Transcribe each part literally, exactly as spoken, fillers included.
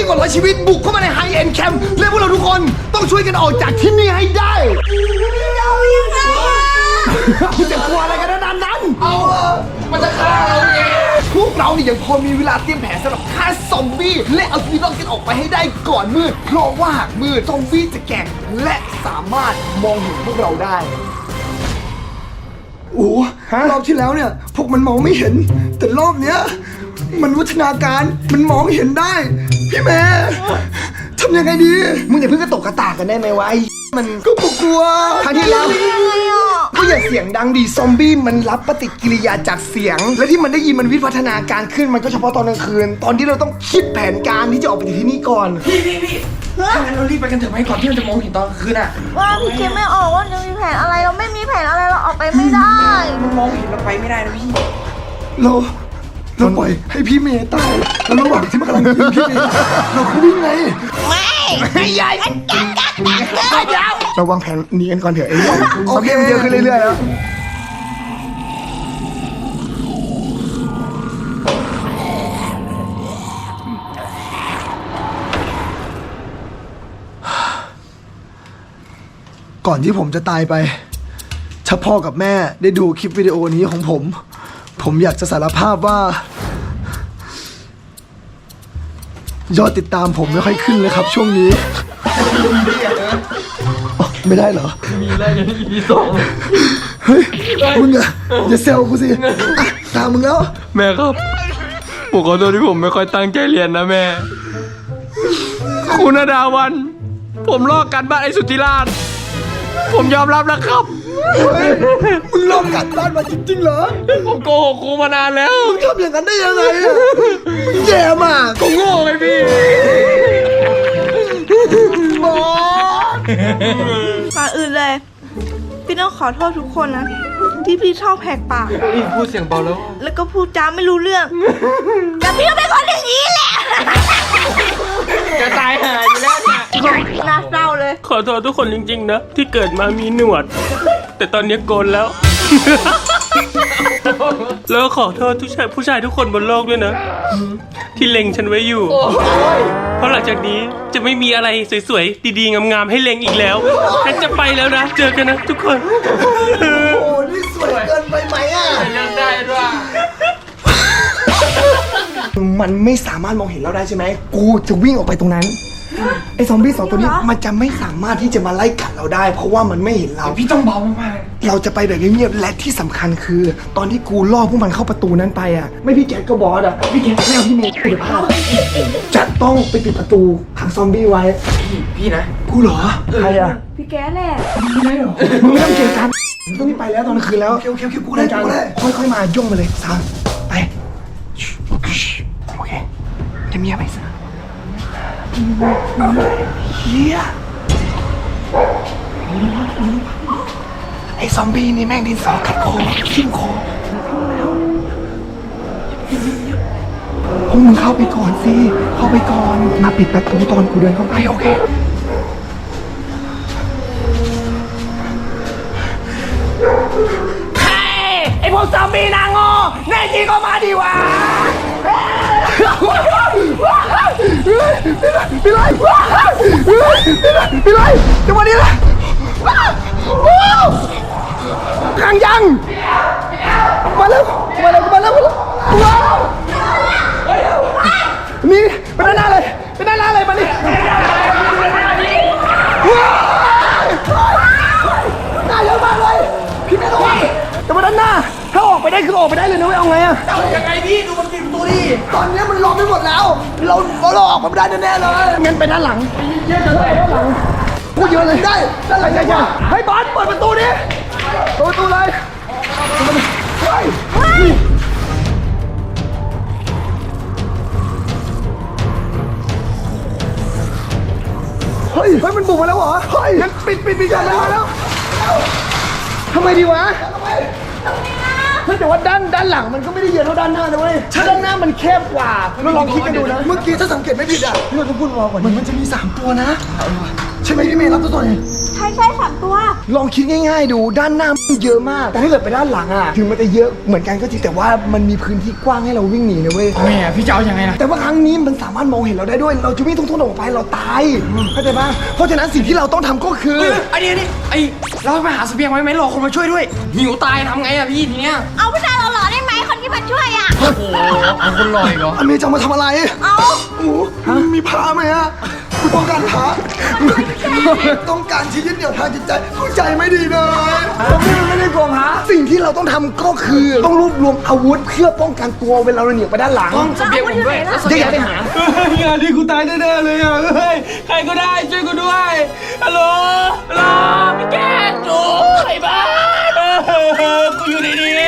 กว่าร้อยชีวิตบุกเข้ามาในไฮเอ็นแคมป์และพวกเราทุกคนต้องช่วยกันออกจากที่นี่ให้ได้เรายังไงคุณจะกลัวอะไรกันนานนั้นเอามันจะฆ่าเราเองพวกเราเนี่ยยังพอมีเวลาเตรียมแผนสำหรับฆ่าซอมบี้และเอาชีวิตรอดกันออกไปให้ได้ก่อนมืดเพราะว่าหากมืดซอมบี้จะแก่งและสามารถมองเห็นพวกเราได้โอ้รอบที่แล้วเนี่ยพวกมันมองไม่เห็นแต่รอบเนี้ยมันวัฒนาการมันมองเห็นได้พี่แม่ทำยังไงดีมึงอย่าเพิ่งกระตกกระตากกันได้ไหมวะไอ้มันก็กลัวครั้งที่แล้วก็อย่าเสียงดังดิซอมบี้มันรับปฏิกิริยาจากเสียงและที่มันได้ยินมันวิวัฒนาการขึ้นมันก็เฉพาะตอนกลางคืนตอนที่เราต้องคิดแผนการที่จะออกไปจากที่นี่ก่อนพี่พี่พี่ถ้างั้นเรารีบไปกันเถอะไหมก่อนที่มันจะมองเห็นตอนกลางคืนอ่ะว่าพี่คิดไม่ออกว่าจะมีแผนอะไรเราไม่มีแผนอะไรเราออกไปไม่ได้มันมองเห็นเราไปไม่ได้นะพี่เราเราปล่อยให้พี่เมย์ตายแล้วระหว่างที่มันกำลังยิงพี่เมย์เราก็วิ่งไงไม่ไม่ใหญ่มันกัดกัดกัดเดี๋ยวเราวางแผนหนีกันก่อนเถอะไอ้เนี่ยโอเคมันเยอะขึ้นเรื่อยๆแล้วก่อนที่ผมจะตายไปถ้าพ่อกับแม่ได้ดูคลิปวิดีโอนี้ของผมผมอยากจะสารภาพว่ายอดติดตามผมไม่ค่อยขึ้นเลยครับช่วงนี้ไม่ได้เหรอมีอะไรในอีพีสองเฮ้ยมึงอะอย่าเซลกูสิตามมึงแล้วแม่ครับผมขอโทษที่ผมไม่ค่อยตั้งใจเรียนนะแม่คุณดาวันผมลอกกันบ้านไอ้สุทธิราชผมยอมรับแล้วครับมึงลอกกันบ้านมาจริงๆเหรอผมโกหกครูมานานแล้วมึงทำอย่างนั้นได้ยังไงอะมึงแย่มากก็โง่ไงพี่บอสก่อนอื่นเลยพี่ต้องขอโทษทุกคนนะที่พี่ชอบแหกปากพูดเสียงเบาแล้วแล้วก็พูดจาไม่รู้เรื่องแต่พี่ก็เป็นคนอย่างนี้แหละจะตายหายอยู่แล้วเนี่ยน่าเศร้าเลยขอโทษทุกคนจริงๆนะที่เกิดมามีหนวดแต่ตอนนี้โกนแล้วแล้วขอโทษทุกชายผู้ชายทุกคนบนโลกด้วยนะที่เล็งฉันไว้อยู่เพราะหลังจากนี้จะไม่มีอะไรสวยๆดีๆงามๆให้เล็งอีกแล้วฉันจะไปแล้วนะเจอกันนะทุกคนโอ้นี่สวยเกินไปไหมอ่ะยังได้ด้วยมันไม่สามารถมองเห็นเราได้ใช่ไหมกูจะวิ่งออกไปตรงนั้นไอ้ซอมบี้สองตัวนี้มันจะไม่สามารถที่จะมาไล่กัดเราได้เพราะว่ามันไม่เห็นเราพี่ต้องเบามากๆเราจะไปแบบเงียบๆและที่สำคัญคือตอนที่กูล่อพวกมันเข้าประตูนั้นไปอ่ะไม่พี่แกก็บอสอ่ะพี่แกไม่เอาพี่เมย์คุณภาพจะต้องไปปิดประตูขังซอมบี้ไว้พี่พี่นะกูเหรอใครอ่ะพี่แกแหละไม่เหรอมึงไม่ต้องเกลียดกันต้องไปแล้วตอนกลางคืนแล้วเคี้ยวเคี้ยวเคี้ยวกูได้กูได้ค่อยๆมาย่องมาเลยสามไปโอเคจะมีอะไรสักเฮียไอ้ซอมบี้นี่แม่งดินสอกัดคอทิ่มคอพวกมึงเข้าไปก่อนสิเข้าไปก่อนมาปิดประตูตอนกูเดินเข้าไปโอเคใครไอ้พวกซอมบี้นางโง่แน่จริงก็มาดีวะพี่ไล่พี่ไล่จังหวะนี้แหละขังยังมาแล้วมาแล้วมาแล้วว้าวนี่เป็นด้านหน้าเลยเป็นด้านหน้าเลยมาดิหน้าเยอะมากเลยพี่ไม่ต้องแต่มาด้านหน้าถ้าออกไปได้คือออกไปได้เลยนะไม่เอาไงอะเอายังไงพี่ดูมันปิดประตูดิตอนนี้มันล้อมไปหมดแล้วเราเราออกมาไม่ได้แน่ๆเลยงั้นไปด้านหลังเยอะเลยด้านหลังพูดเยอะเลยได้ด้านหลังใหญ่ๆให้บอสเปิดประตูดิเปิดประตูเลยเฮ้ยเฮ้ยเฮ้ยมันบุกมาแล้วเหรอเฮ้ยงั้นปิดปิดปิดกันแล้วแล้วทำไมดีวะเฮ้ยแต่ว่าด้านด้านหลังมันก็ไม่ได้เยอะเท่าด้านหน้านะเว้ยด้านหน้ามันแคบกว่าเราลองคิดกันดูนะเมื่อกี้ถ้าสังเกตไม่ผิดอ่ะที่เราต้องพูดรอก่อนมันมันจะมีสามตัวนะใช่ไหมพี่เมย์รับตัวตัวไหนใช่ใช่สามตัวลองคิดง่ายๆดูด้านหน้ามันเยอะมาก แต่ถ้าเกิดไปด้านหลังอะถึงมันจะเยอะเหมือนกันก็จริงแต่ว่ามันมีพื้นที่กว้างให้เราวิ่งหนีนะเว้ยแม่พี่จะเอายังไงล่ะแต่ว่าครั้งนี้มันสามารถมองเห็นเราได้ด้วย เราจะวิ่งทุ่งๆออกไปเราตายเข้าใจปะเพราะฉะนั้นสิ่งที่เราต้องทำก็คือไอ้นี่นี่ไอ้เราไปหาเสบียงไว้ไหมรอคนมาช่วยด้วยหิวตายทำไงอะพี่ทีเนี้ยเอาผู้ชายหล่อๆได้ไหมคนที่มาช่วยอ่ะโอ้โหเอาคนลอยเหรออเมย์จะมาทำอะไรเอาโอ้โหมีพาไหมฮะคุณต้องการพาต้องการที่ยึดเหนี่ยวทางจิตใจเข้าใจไม่ดีเลยผมไม่ได้กลัวพาสิ่งที่เราต้องทำก็คือต้องรวบรวมอาวุธเพื่อป้องกันตัวเวลาเราหนีไปด้านหลังต้องเสบียงผมด้วยแล้วเสจะบีอย ยากงไปหางานนี้กูตายแน่ๆเลยอ่ะเฮ้ยใครก็ได้ช่วยกูด้วยฮัลโหลฮัลโหลพี่แกโอ้ใครบ้ากูอยู่ในนี้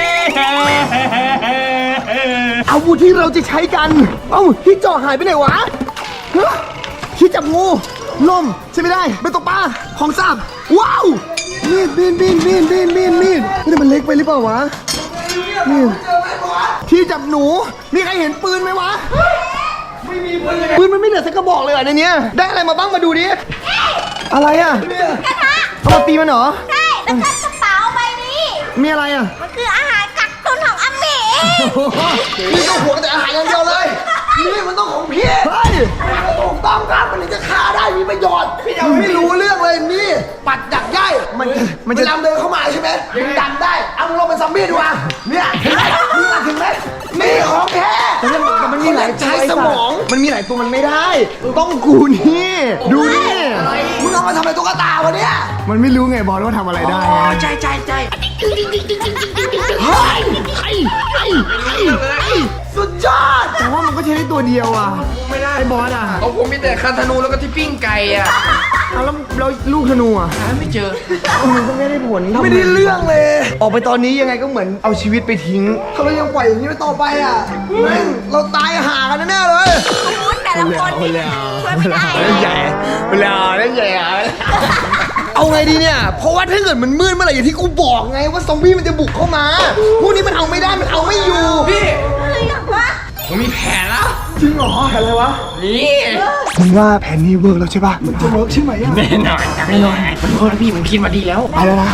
อาวุธที่เราจะใช้กัน เอ้าที่จ่อหายไปไหนวะฮะที่จับงูลมใช่ไม่ได้เป็นตกปลาของสาบว้าวมีดมีดมีดมีดมีดมีดมีดนี่มันเล็กไปหรือเปล่าวะนี่ที่จับหนูมีใครเห็นปืนไหมวะไม่มีปืนปืนมันไม่เหลือสักกระบอกเลยเหรอในเนี้ยได้อะไรมาบ้างมาดูดิอะไรอ่ะกระทะเอามาตีมันเหรอใช่แล้วก็กระเป๋าใบนี้มีอะไรอ่ะมันคืออาหารกักตุนของอาเมะนี่ต้องห่วงแต่อาหารอย่างเดียวเลย นี่มันต้องของพี่ เฮ้ยมันถูกต้องครับมันถึงจะฆ่าได้มีประโยชน์พี่ยังไม่รู้เรื่องเลยนี่ ปัดดักย่ายมันจะมันจะเดินเข้ามาใช่ไหมมันดันได้ เอามึงลงเป็นซอมบี้ดีกว่าเนี่ยเห็นไหมมึงเห็นไหมนี่ของแท้แต่มันมีหลายใช้สมอง มันมีหลายตัวมันไม่ได้ ต้องกูนี่ ดูนี่มึงเอามาทำอะไรตุ๊กตาวะเนี่ย มันไม่รู้ไงบอลว่าทำอะไรได้อ๋อใช่ใช่ใช่เฮ้ยไอ้ไอ้ไอ้ไอ้สุดยอด แต่ว่ามันก็ใช้ได้ตัวเดียวอ่ะไม่ได้ไอ้บอสอ่ะของผมมีแต่คันธนูแล้วก็ที่ปิ้งไก่อะเอาแล้วแล้วลูกธนูอ่ะหาไม่เจอมันก็ไม่ได้ผลไม่ได้เรื่องเลย ออกไปตอนนี้ยังไงก็เหมือนเอาชีวิตไปทิ้ง ถ้าเรายังปล่อยอย่างนี้ไปต่อไปอ่ะแม่งเราตายหากันแน่ๆเลยคุณแต่ละคนนี่ช่วยไม่ได้ใหญ่เวลาเล่นใหญ่เอาไงดีเนี่ย เพราะว่าถ้าเกิดมันมืดเมื่อไหร่อย่างที่กูบอกไงว่าซอมบี้มันจะบุกเข้ามา พวกนี้มันเอาไม่ได้ มันเอาไม่อยู่พี่อะไรอย่างวะผมมีแผนแล้วจริงเหรอแผนอะไรวะนี่มึงว่าแผนนี้เวิร์กแล้วใช่ป่ะ มันจะเวิร์กใช่ไหมอ่ะแน่นอนแน่นอนมันโทษนะพี่ผมคิดมาดีแล้วไปแล้วนะ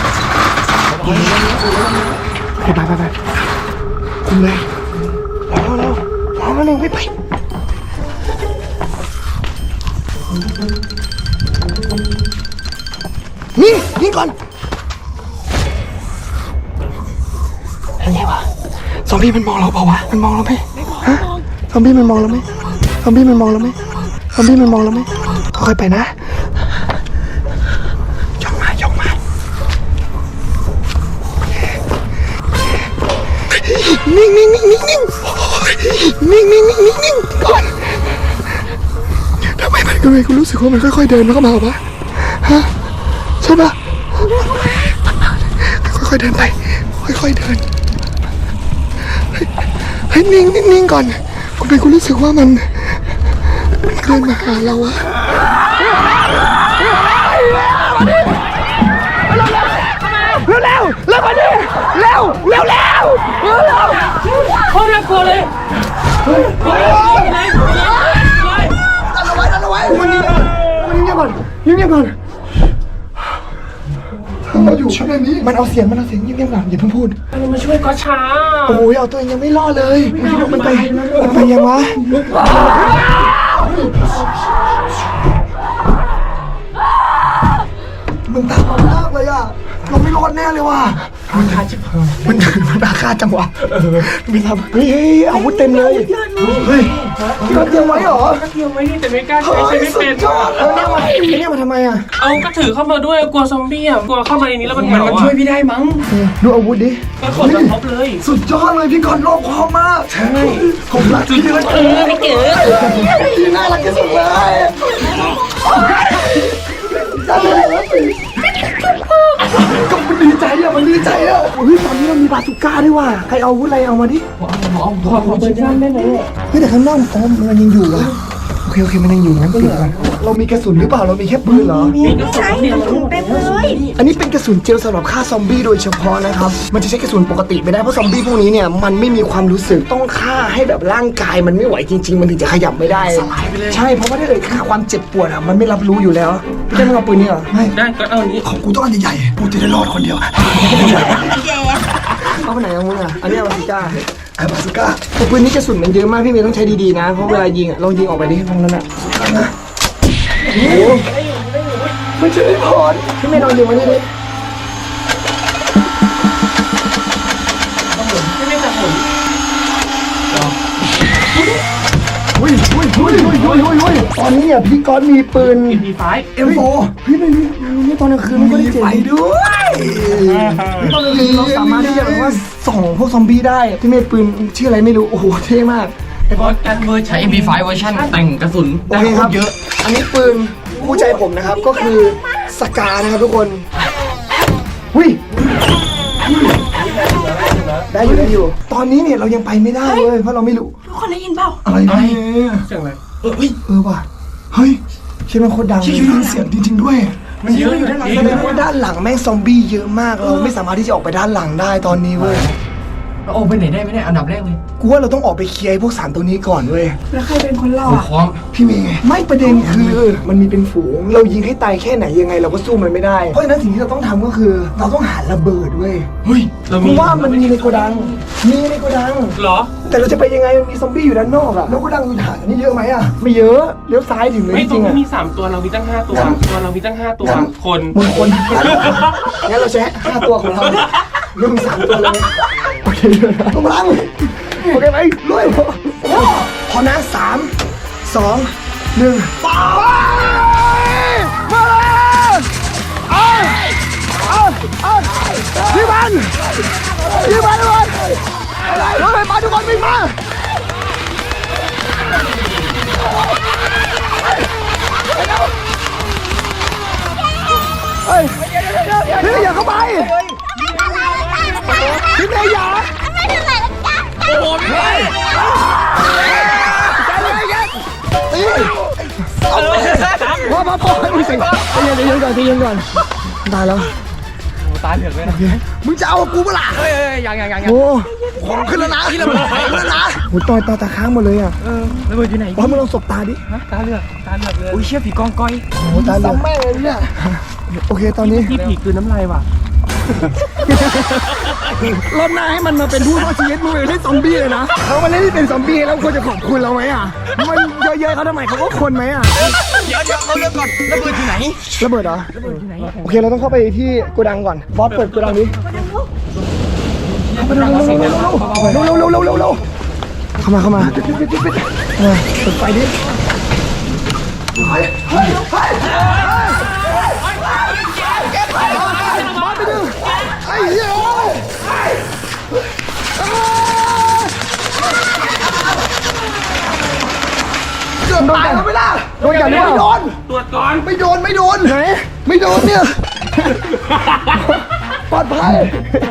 ไปไปไปไปคุมเลยเร็วเร็วเร็วเร็วไปไปนี่นี่ก่อนยังไงวะซอมบี้มันมองเราเปล่าวะมันมองเราไหมฮะซอมบี้มันมองเราไหมซอมบี้มันมองเราไหมซอมบี้มันมองเราไหมค่อยๆไปนะย่องมาย่องมานิ่งนิ่งนิ่งนิ่งนิ่งนิ่งนิ่งนิ่งนิ่งนิ่งก่อนทำไมมันทำไมกูรู้สึกว่ามันค่อยๆเดินเข้ามาวะฮะใช่ปะค่อยๆเดินไปค่อยๆเดินเฮ้ยนิ่งนิ่งนิ่งก่อนทำไมกูรู้สึกว่ามันมันเดินมาหาเราอะเร็วเร็วเร็วมาดิเร็วเร็วเร็วเร็วเร็วโคตรน่ากลัวเลยดันเอาไว้ดันเอาไว้มันนี่มันเงียบก่อนเงียบก่อนเราอยู่ช่วยนี้มันเอาเสียงมันเอาเสียงเงียบๆก่อนอย่าเพิ่งพูดมันมาช่วยก็ช้าโอ้ยเอาตัวเองยังไม่รอดเลยมันไปมันไปยังวะมันตามมามากเลยอ่ะเราไม่รอดแน่เลยว่ะมันคาจิบมันมันอาฆาตจังวะมีทำเฮ้ยอาวุธเต็มเลยเฮ้ยที่เราเตรียมไว้เหรอก็เทียมไว้แต่ไม่กล้าใช้เฮ้ยใช้ไม่สุเป็ดนยอดเออเนี่ยมาเนี่ยมาทำไมอ่ะเอาก็ถือเข้ามาด้วยกลัวซอมบี้อ่ะกลัวเข้ามาในนี้แล้วมันเหมันงามันอ่ะช่วยพี่ได้มั้งดูอาวุธดิก็ขนมาครบเลยสุดยอดเลยพี่กอนรอบคอบมากใช่ผมรักพี่เลยเออไม่เจอพี่น่ารักที่สุดเลยก็มันดีใจอะมันดีใจอะเฮ้ยตอนนี้เรามีบาซูก้าด้วยว่ะใครเอาอาวุธอะไรเอามาดิขอขอเปิดด้านได้ไหมเฮ้ยแต่ข้างนอกอ๋อมันยังอยู่อะโอเคเคโอเคมันยังอยู่งั้นเก็บก่อนเรามีกระสุนหรือเปล่าเรามีแค่ปืนเหรอใช้กระสุนเต็มเลยอันนี้เป็นกระสุนเจลสำหรับฆ่าซอมบี้โดยเฉพาะนะครับมันจะใช้กระสุนปกติไม่ได้เพราะซอมบี้พวกนี้เนี่ยมันไม่มีความรู้สึกต้องฆ่าให้แบบร่างกายมันไม่ไหวจริง ๆ มันถึงจะขยับไม่ได้ใช่เพราะว่าถ้าเกิดฆ่าความเจ็บปวดอ่ะมันไม่รับรู้อยู่แล้วพี่ได้ไม่เอาปืนนี่เหรอไม่ได้ก็เอาอันนี้ของกูต้องอันใหญ่ๆกูจะได้รอดคนเดียวเอาไปไหนเอามึงอ่ะอันนี้เอาบาซูก้าไอ้บาซูก้าแต่ปืนนี้กระสุนมันเยอะมากพี่เมย์ต้องใช้ดีๆนะเพราะเวลายิงอ่ะลองยิงออกไปดิตรงนั้นอ่ะนะโอ้โหไม่ใช่พอดพี่เมย์ลองยิงมานี่ดิอุ้ยอุ้ยอุ้ยอุ้ยอุ้ยอุ้ยอุ้ยตอนนี้เนี่ยพี่ก๊อตมีปืนอีพีไฟเอ็มโฟพี่ไม่มีนี่ตอนกลางคืนมันก็ได้เจ๋งไปด้วยนี่ตอนกลางคืนเราสามารถที่จะแบบว่าส่องพวกซอมบี้ได้พี่เมย์ปืนชื่ออะไรไม่รู้โอ้โหเท่มากไอ้บอสการเวอร์ใช้ เอ็ม พี ไฟว์ เวอร์ชันแต่งกระสุนโอเคครับเยอะอันนี้ปืนคู่ใจผมนะครับก็คือสกานะครับทุกคนหุ้ยได้อยู่ได้อยู่ตอนนี้เนี่ยเรายังไปไม่ได้เลยเพราะเราไม่รู้ทุกคนได้ยินเปล่าอะไรเนี่ยเสียงอะไรเออเฮ้ยเออว่ะเฮ้ยใช่ไหมโคตรดังเลยเสียงจริงๆด้วยมันเยอะอยู่ด้านหลังแสดงว่าด้านหลังแม่งซอมบี้เยอะมากเราไม่สามารถที่จะออกไปด้านหลังได้ตอนนี้เว้ยเราโอ้ไปไหนได้ไหมเนี่ยอันดับแรกเลยกูว่าเราต้องออกไปเคลียร์ไอ้พวกสารตัวนี้ก่อนเว้ยแล้วใครเป็นคนเล่าผมอ่ะพร้อมพี่เมย์ไงไม่ประเด็นคือมันมีเป็นฝูงเรายิงให้ตายแค่ไหนยังไงเราก็สู้มันไม่ได้เพราะฉะนั้นสิ่งที่เราต้องทำก็คือ เราต้องหาระเบิดเว้ยเฮ้ยเราเพมีราะว่ามันมีในโกดังมีในโกดังเหรอแต่เราจะไปยังไงมันมีซอมบี้อยู่ด้านนอกอะแล้วโกดังอยู่ฐานนี่เยอะไหมอะไม่เยอะเลี้ยวซ้ายถึงเลยไม่จตรริงงๆนี้อะมีสามตัวเรามีตั้งห้าตัวตัวเรามีตั้งห้าตัวคนมึงคนงั้นเราใช้ห้าตัวของเรามึงสามตัวเลยโอเคกำลังโอเคไหมลุยพอนะสามสองหนึ่งไปมาเลยเอาเอาเอายิงมันยิงมันทุกคนรถไฟฟ้าทุกคนวิ่งมาเฮ้ยพี่อย่าเข้าไปพี่เมย์อย่าโอ้โหพี่ตีพอพอพอมึงเสียงใจเย็นใจเย็นก่อนใจเย็นก่อนตายแล้วตายเหลือกเลยนะมึงจะเอากูเปล่าเฮ้ยเฮ้ยยังยังยังยังโอ้ของขึ้นแล้วนะขึ้นแล้วนะโอ้ตอยตาตาค้างหมดเลยอ่ะเออระเบิดอยู่ไหนบอสมึงลองสบตาดิฮะตาเหลือกตาเหลือกเลยอุ้ยเชี่ยผีกองก้อยโอ้ตาเหลือกแม่เลยเนี่ยโอเคตอนนี้ที่ผีคืนน้ำลายว่ะรอบหน้าให้มันมาเป็นผู้รอดชีวิตมึงเลยให้ซอมบี้เลยนะเขามาเล่นที่เป็นซอมบี้แล้วควรจะขอบคุณเราไหมอ่ะมันเยอะๆเขาทำไมเขาก็คนไหมอ่ะเดี๋ยวเดี๋ยวเราเลือกก่อนระเบิดอยู่ไหนระเบิดเหรอโอเคเราต้องเข้าไปที่โกดังก่อนบอสเปิดโกดังนี้เข้าไปเร็วเร็วเร็วเร็วเร็วเร็วเร็วเร็วเข้ามาเข้ามาปิดปิดปิดปิดเออเปิดไฟดิเฮ้ยเฮ้ยเฮ้ยบอสไปดึงไอ้เหี้ยเกือบตายแล้วไม่ล่ะโดนกันหรือเปล่าโดนตรวจก่อนไม่โดนไม่โดนไหนไม่โดนเนี่ยปลอดภัย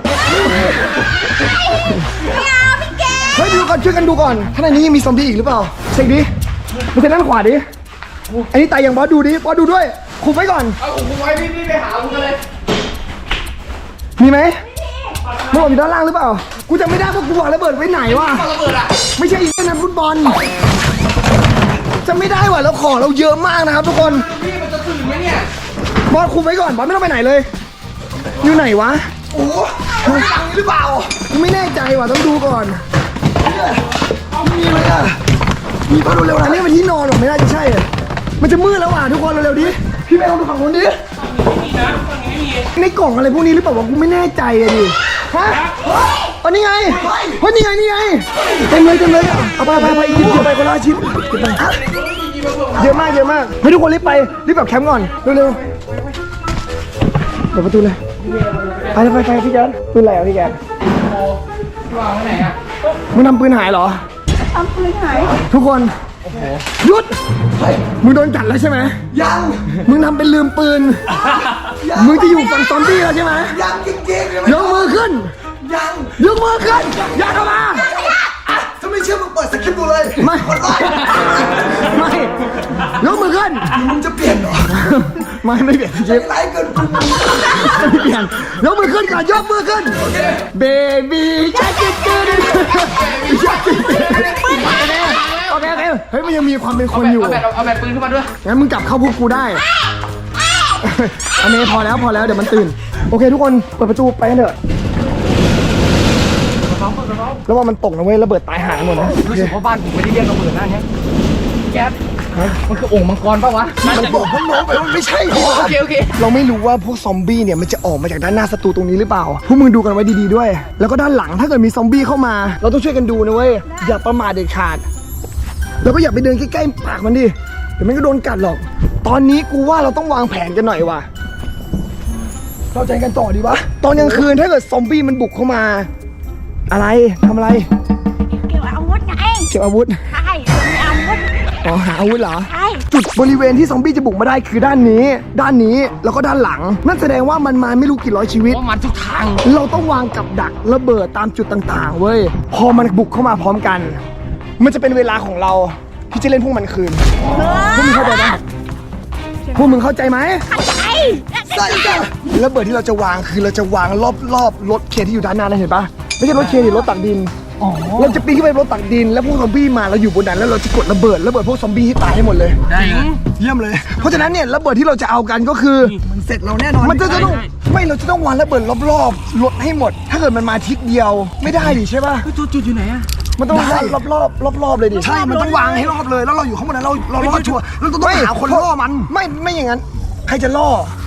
เฮ้ยดูก่อนช่วยกันดูก่อนข้างในนี้ยังมีซอมบี้อีกหรือเปล่าเช็คดิมันจะด้านขวาดิอันนี้ตายยังบอสดูดิบอสดูด้วยคุมไว้ก่อนเอาผมไว้พี่พี่ไปหาผมกันเลยมีไหมมันบอกอยู่ด้านล่างหรือเปล่ากูจะไม่ได้เพราะกูวางระเบิดไว้ไหนวะระเบิดอ่ะไม่ใช่อีกนะฟุตบอลจะไม่ได้ว่ะแล้วของเราเยอะมากนะครับทุกคนพี่มันจะถึงไหมเนี่ยบอสคุมไว้ก่อนบอสไม่ต้องไปไหนเลย อยู่ไหนวะโอ้หลังหรือเปล่ากูไม่แน่ใจว่ะต้องดูก่อนมีไหมอ่ะมีปะเร็วๆนะนี่มันที่นอนหรอไม่น่าจะใช่อะมันจะมืดแล้วอ่ะทุกคนเร็วๆดิพี่แม่ลองดูฝั่งนู้นดิไม่มีนะฝั่งนี้ไม่มีในกล่องอะไรพวกนี้หรือเปล่าวะกูไม่แน่ใจอะดิฮะอ๋อนี่ไงเฮ้ยนี่ไงนี่ไงเต็มเลยเต็มเลยเอาไปไปไปหยิบหยิบไปคนละชิ้นหยิบไปเยอะมากเยอะมากให้ทุกคนรีบไปรีบแบบแคมป์ก่อนเร็วๆเปิดประตูเลยไปไปไปพี่แกนปืนอะไรอ่ะพี่แกนวางไว้ไหนอ่ะมึงทำปืนหายเหรอทำปืนหายทุกคนหยุดมึงโดนกัดแล้วใช่ไหมยังมึงทำเป็นลืมปืนมึงจะอยู่ฝั่งซอมบี้แล้วใช่ไหมยังจริงๆยกมือขึ้นยังยกมือขึ้นอย่าเข้ามาถ้าไม่เชื่อมึงเปิดสคริปต์ดูเลยไม่ไม่ไม่ไม่เปลี่ยนเชฟไรเกินไม่เปลี่ยนยกมือขึ้นก่อนยกมือขึ้นเบบี้ชักกิ้งกิ้งชักกิ้งโอเคโอเคเฮ้ยมันยังมีความเป็นคนอยู่เอาแบบเอาแบบปืนขึ้นมาด้วยงั้นมึงกลับเข้าพวกกูได้อเมย์พอแล้วพอแล้วเดี๋ยวมันตื่นโอเคทุกคนเปิดประตูไปกันเถอะแล้วว่ามันตกนะเว้ยระเบิดตายหายหมดนะรู้สึกว่าบ้านผมไม่ได้เรียกระเบิดนะเนี่ยแก๊สมันคือโอ่งมังกรป่าวะมันบอกพวกน้องไปว่าไม่ใช่โอเคโอเคเราไม่รู้ว่าพวกซอมบี้เนี่ยมันจะออกมาจากด้านหน้าศัตรูตรงนี้หรือเปล่าพวกมึงดูกันไว้ดีๆด้วยแล้วก็ด้านหลังถ้าเกิดมีซอมบี้เข้ามาเราต้องช่วยกันดูนะเว้ยอย่าประมาทเด็ดขาดแล้วก็อย่าไปเดินใกล้ๆปากมันดิเดี๋ยวมันก็โดนกัดหรอกตอนนี้กูว่าเราต้องวางแผนกันหน่อยว่ะเข้าใจกันต่อดีวะตอนกลางคืนถ้าเกิดซอมบี้มันบุกเข้ามาอะไรทำอะไรเก็บอาวุธไงเก็บอาวุธใช่มีอาวุธอ๋อหาอาวุธเหรอใช่จุดบริเวณที่ซอมบี้จะบุกมาได้คือด้านนี้ ด้านนี้แล้วก็ด้านหลัง นั่นแสดงว่ามันมาไม่รู้กี่ร้อยชีวิตว่ามันทุกทางเราต้องวางกับดักระเบิดตามจุดต่างๆเว้ยพอมันบุกเข้ามาพร้อมกัน มันจะเป็นเวลาของเราที่จะเล่นพวกมันคืนพวกมึงเข้าใจไหมพวกมึงเข้าใจไหมใช่ใช่จ้ะระเบิดที่เราจะวางคือเราจะวางรอบๆรถเคนที่อยู่ด้านหน้านั่นเห็นปะไม่ใช่รถเคนดิรถตักดินเราจะปีนขึ้นไปบนรถตักดินแล้วพวกซอมบี้มาเราอยู่บนนั้นแล้วเราจะกดระเบิดระเบิดพวกซอมบี้ให้ตายให้หมดเลยได้เลยเยี่ยมเลย เพราะฉะนั้นเนี่ยระเบิดที่เราจะเอากันก็คือมันเสร็จเราแน่นอนมันจะต้องไม่เราจะต้องวางระเบิดรอบๆรถให้หมด ถ้าเกิดมันมาทิศเดียวไม่ได้ดิใช่ปะจุดจุดอยู่ไหนอะมันต้องวางรอบรอบรอบรอบๆเลยดิใช่มันต้องวางให้รอบเลยแล้วเราอยู่ข้างบนนั้นเราเราล่อชัวร์เราต้องหาคนล่อมันไม่ไม่อย่างนั้นใครจะล่อ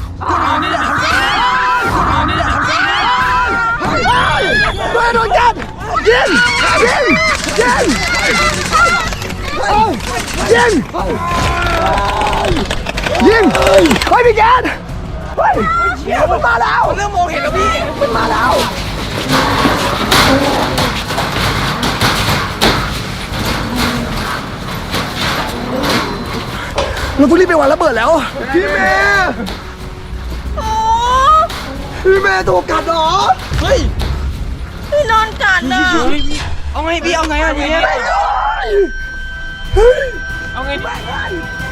เฮ้ยโดนจับยิงยิงยิงยิงยิงเฮ้ยพี่แกนเฮ้ยมันมาแล้วเริ่มมองเห็นแล้วพี่มันมาแล้วเราต้องรีบไปวางระเบิดแล้วพี่เมย์โอ้พี่เมย์ถูกกัดเหรอเฮ้ยพี่นอนกัดน่ะเอาไงพี่เอาไงอะทีเนี้ยเฮ้ยเอาไงดี